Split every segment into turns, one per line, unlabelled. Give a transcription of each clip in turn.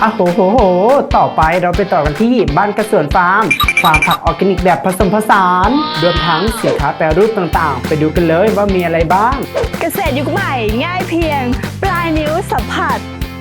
โหต่อไปเราไปต่อกันที่บ้านกระสวนฟาร์มผักออร์แกนิกแบบผสมผสานรวมทั้งสินค้าแปรรูปต่างๆไปดูกันเลยว่ามีอะไรบ้าง
เกษตรยุคใหม่ง่ายเพียงปลายนิ้วสัมผัส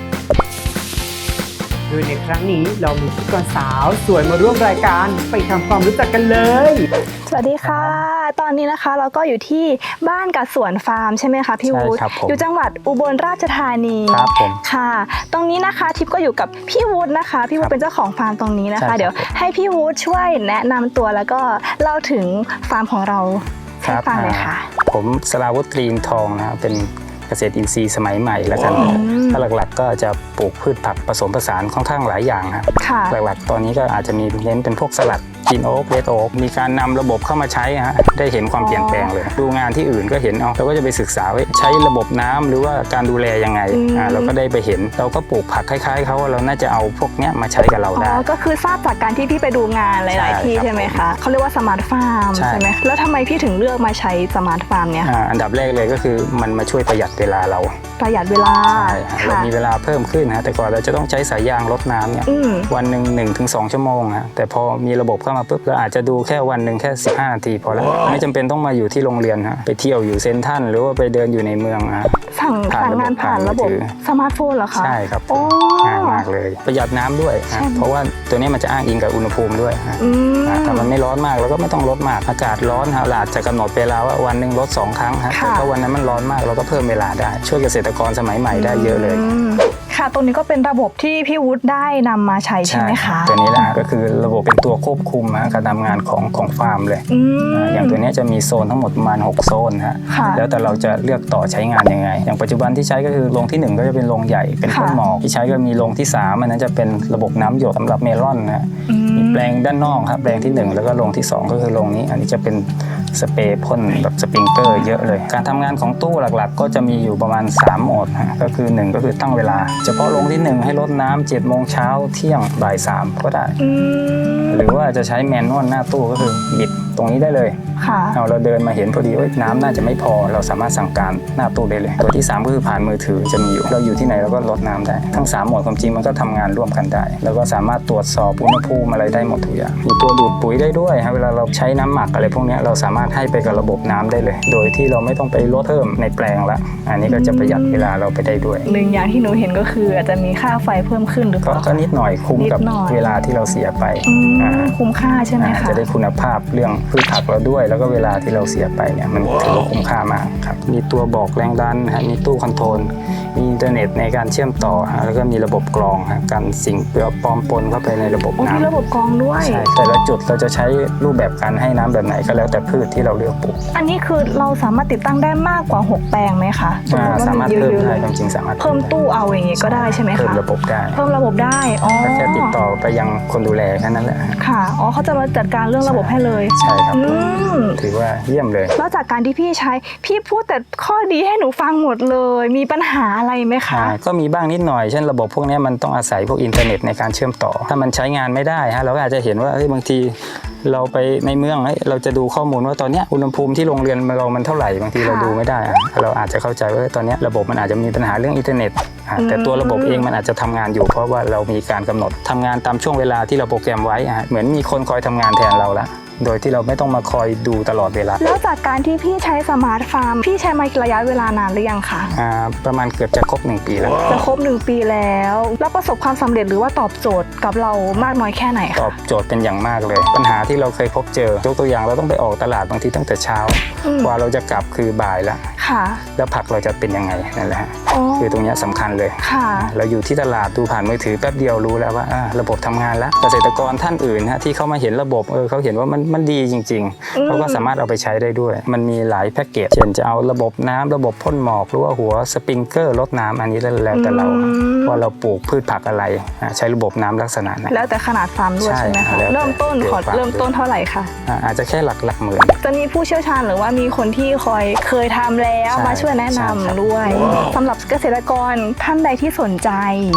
โดยในครั้งนี้เรามีพิธีกรสาวสวยมาร่วมรายการไปทำความรู้จักกันเลย
สวัสดีค่ะตอนนี้นะคะเราก็อยู่ที่บ้านกับสวนฟาร์มใช่ไหมคะพี่วุฒิอยู่จังหวัดอุบลราชธานี
ครับผม
ค่ะตรงนี้นะคะทิพย์ก็อยู่กับพี่วุฒินะคะพี่วุฒิเป็นเจ้าของฟาร์มตรงนี้นะคะเดี๋ยวให้พี่วุฒิช่วยแนะนำตัวแล้วก็เล่าถึงฟาร์มของเราให้ฟังเลยค่ะ
ผมสราวุฒิตรีนทองนะครับเป็นเกษตรอินทรีย์สมัยใหม่แล้วกันถ้าหลักๆก็จะปลูกพืชผักผสมผสานค่อนข้างหลายอย่างครับหลักๆตอนนี้ก็อาจจะมีเน้นเป็นพวกสลัดกินโอ๊กเรดโอ๊กมีการนำระบบเข้ามาใช้ฮะได้เห็นความเปลี่ยนแปลงเลยดูงานที่อื่นก็เห็นเราก็จะไปศึกษาว่าใช้ระบบน้ำหรือว่าการดูแลยังไงเราก็ได้ไปเห็นเราก็ปลูกผักคล้ายๆเขาเราน่าจะเอาพวกนี้มาใช้กับเราได้
ก็คือทราบจากการที่พี่ไปดูงานหลายๆที่ใช่ไหมคะเขาเรียกว่าสมาร์ทฟาร์มใช่ไหมแล้วทำไมพี่ถึงเลือกมาใช้สมาร์ทฟาร์มเนี่ย
อันดับแรกเลยก็คือมันมาช่วยประหยัดเวลาเรา
ประหยัดเวลา
เรามีเวลาเพิ่มขึ้นนะแต่ก่อนเราจะต้องใช้สายยางรดน้ำเนี่ยวันหนึ่ง1-2 ชั่วโมงนะแต่พอมีระบบเข้ามาปุ๊บเราอาจจะดูแค่วันหนึ่งแค่15 นาทีพอแล้วไม่จำเป็นต้องมาอยู่ที่โรงเรียนฮะไปเที่ยวอยู่เซ็นทรัลหรือว่าไปเดินอยู่ในเมืองนะ
สั่งงานผ่านระบบสมาร์ทโฟนเหรอคะ
ใช่ครับง่ายมากเลยประหยัดน้ำด้วยเพราะว่าตัวนี้มันจะอ้างอิงกับอุณหภูมิด้วยถ้ามันไม่ร้อนมากเราก็ไม่ต้องลดมากอากาศร้อนเราอาจจะกำหนดเวลาว่าวันหนึ่งลด2 ครั้งแต่ถ้าวันนั้นมันร้อนมากเราก็เพิ่มเวลาได้ช่วยเกษตรกรสมัยใหม่ได้เยอะเลย
ค่ะตรงนี้ก็เป็นระบบที่พี่วุฒิได้นำมาใช้ใช่ไหมคะ
ตัวนี้แหละก็คือระบบเป็นตัวควบคุมการทำงานของฟาร์มเลยอย่างตัวนี้จะมีโซนทั้งหมดประมาณ6 โซนฮะแล้วแต่เราจะเลือกต่อใช้งานยังไงอย่างปัจจุบันที่ใช้ก็คือโรงที่1ก็จะเป็นโรงใหญ่เป็นพ่นหมอกที่ใช้ก็มีโรงที่3อันนั้นจะเป็นระบบน้ำหยดสำหรับเมลอนนะมีแปลงด้านนอกครับแปลงที่1แล้วก็โรงที่2ก็คือโรงนี้อันนี้จะเป็นสเปรย์พ่นแบบสปริงเกอร์เยอะเลยการทำงานของตู้หลักๆก็จะมีอยู่ประมาณ3 โหมดก็คือ1ก็คือตั้งเวลาเฉพาะโรงที่1ให้รดน้ำ7 โมงเช้าเที่ยงบ่าย 3ก็ได้หรือว่าจะใช้แมนนวลหน้าตู้ก็คือบิดตรงนี้ได้เลยเราเดินมาเห็นพอดีน้ำน่าจะไม่พอเราสามารถสั่งการหน้าตู้ได้เลยตัวที่3ก็คือผ่านมือถือจะมีอยู่เราอยู่ที่ไหนเราก็ลดน้ำได้ทั้ง3 โหมดความจริงมันก็ทำงานร่วมกันได้แล้วก็สามารถตรวจสอบอุณหภูมิอะไรได้หมดทุกอย่างมีตัวดูดปุ๋ยได้ด้วยเวลาเราใช้น้ำหมักอะไรพวกนี้เราสามารถให้ไปกับระบบน้ำได้เลยโดยที่เราไม่ต้องไปลดเพิ่มในแปลงละอันนี้ก็จะประหยัดเวลาเราไปได้ด้วย
หนึ่งอย่างที่หนูเห็นก็คืออาจจะมีค่าไฟเพิ่มขึ้นหรือเปล่า
ก็นิดหน่อยคุ้มกับเวลาที่เราเสียไป
คุ้มค่าใช่ไหมคะ
จะได้คุณภาพเรื่องพืชผักเราด้วยแล้วก็เวลาที่เราเสียไปเนี่ยมันถือว่าคุ้มค่ามากครับมีตัวบอกแรงดันมีตู้คอนโทรลมีอินเทอร์เน็ตในการเชื่อมต่อแล้วก็มีระบบกรองกันสิ่งแปลอมปนเข้าไปในระบบน้ำ
มีระบบกรองด้วย
ใช่แต่ละจุดเราจะใช้รูปแบบการให้น้ำแบบไหนก็แล้วแต่พืชที่เราเลือกปลูก
อันนี้คือเราสามารถติดตั้งได้มากกว่า6 แปลงไหมคะ
สามารถเพิ่มได้จริงๆสามารถ
เพิ่มตู้เอาอย่างงี้ก็ได้ใช่ไหมคะ
เพิ่มระบบได้
เพิ่มระบบได้
แค่ติดต่อไปยังคนดูแลแค่นั้นแหละ
ค่ะเขาจะมาจัดการเรื่องระบบให้เลย
ใช่ครับถือว่าเยี่ยมเลย
แล้วจากการที่พี่ใช้พี่พูดแต่ข้อดีให้หนูฟังหมดเลยมีปัญหาอะไรไหมคะ
ก็มีบ้างนิดหน่อยเช่นระบบพวกนี้มันต้องอาศัยพวกอินเทอร์เน็ตในการเชื่อมต่อถ้ามันใช้งานไม่ได้เราก็อาจจะเห็นว่าบางทีเราไปในเมืองเราจะดูข้อมูลว่าตอนนี้อุณหภูมิที่โรงเรียนเรามันเท่าไหร่บางทีเราดูไม่ได้เราอาจจะเข้าใจว่าตอนนี้ระบบมันอาจจะมีปัญหาเรื่องอินเทอร์เน็ตแต่ตัวระบบเองมันอาจจะทำงานอยู่เพราะว่าเรามีการกำหนดทำงานตามช่วงเวลาที่เราโปรแกรมไว้เหมือนมีคนคอยทำงานแทนเราละโดยที่เราไม่ต้องมาคอยดูตลอดเวลา
แล้วจากการที่พี่ใช้สมาร์ทฟาร์มพี่ใช้มาระยะเวลานานหรือยังคะ
ประมาณเกือบจะครบ1 ปีแล้ว
จะครบ1 ปีแล้วประสบความสำเร็จหรือว่าตอบโจทย์กับเรามากน้อยแค่ไหนคะ
ตอบโจทย์เป็นอย่างมากเลยปัญหาที่เราเคยพบเจอยกตัวอย่างเราต้องไปออกตลาดบางทีตั้งแต่เช้ากว่าเราจะกลับคือบ่ายแล้วแล้วผักเราจะเป็นยังไงนั่นแหละคือตรงนี้สำคัญเลยเราอยู่ที่ตลาดดูผ่านมือถือแป๊บเดียวรู้แล้วว่าระบบทำงานแล้วเกษตรกรท่านอื่นที่เขามาเห็นระบบเขาเห็นว่ามันดีจริงๆเขาก็สามารถเอาไปใช้ได้ด้วยมันมีหลายแพ็กเกจเช่นจะเอาระบบน้ำระบบพ่นหมอกหรือว่าหัวสปริงเกอร์ลดน้ำอันนี้แล้วแต่เราว่าเราปลูกพืชผักอะไรใช้ระบบน้ำลักษณะนั้น
แล้วแต่ขนาดฟาร์มด้วยใช่ไหมคะเริ่มต้นเท่าไหร่คะ
อาจจะแค่หลักหมื่น
จะมีผู้เชี่ยวชาญหรือว่ามีคนที่เคยทำแล้วมาช่วยแนะนำด้วยสำหรับเกษตรกรท่านใดที่สนใจ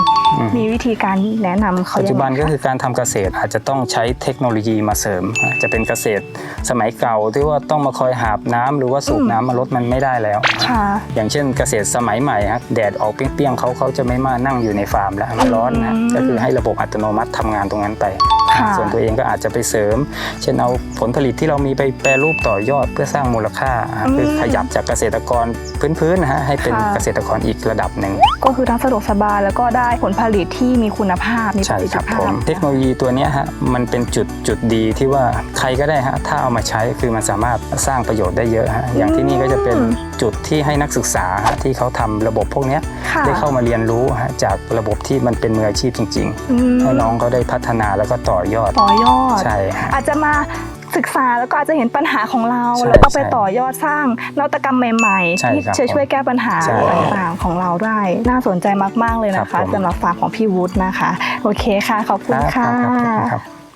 มีวิธีการแนะนำเขา
ปัจจุบันก็คือการทำเกษตรอาจจะต้องใช้เทคโนโลยีมาเสริมจะเป็นเป็นเกษตรสมัยเก่าที่ว่าต้องมาคอยหาบน้ำหรือว่าสูบน้ำมาลดมันไม่ได้แล้ว
ค่ะ
อย่างเช่นเกษตรสมัยใหม่ฮะแดดออกเปรี้ยงๆเขาจะไม่มานั่งอยู่ในฟาร์มแล้วมันร้อนนะก็คือให้ระบบอัตโนมัติทำงานตรงนั้นไป ส่วนตัวเองก็อาจจะไปเสริม เช่นเอาผลผลิตที่เรามีไปแปรรูปต่อยอดเพื่อสร้างมูลค่าคือขยับจากเกษตรกรพื้นๆนะฮะให้เป็นเกษตรกรอีกระดับหนึ่ง
ก็คือทั้งสะดวกสบายแล้วก็ได้ผลผลิตที่มีคุณภาพมีประสิทธิภาพ
เทคโนโลยีตัวนี้ฮะมันเป็นจุดดีที่ว่าใครก็ได้ฮะถ้าเอามาใช้คือมันสามารถสร้างประโยชน์ได้เยอะฮะอย่างที่นี่ก็จะเป็นจุดที่ให้นักศึกษาที่เขาทำระบบพวกนี้ได้เข้ามาเรียนรู้ฮะจากระบบที่มันเป็นมืออาชีพจริงๆให้น้องเขาได้พัฒนาแล้วก็ต่อยอดใช่
อาจจะมาศึกษาแล้วก็อาจจะเห็นปัญหาของเราแล้วก็ไปต่อยอดสร้างนวัตกรรมใหม่ๆที่จะช่วยแก้ปัญหาต่างๆของเราได้น่าสนใจมากๆเลยนะคะสำหรับฟาร์มของพี่วุฒินะคะโอเคค่ะขอบคุณค่ะ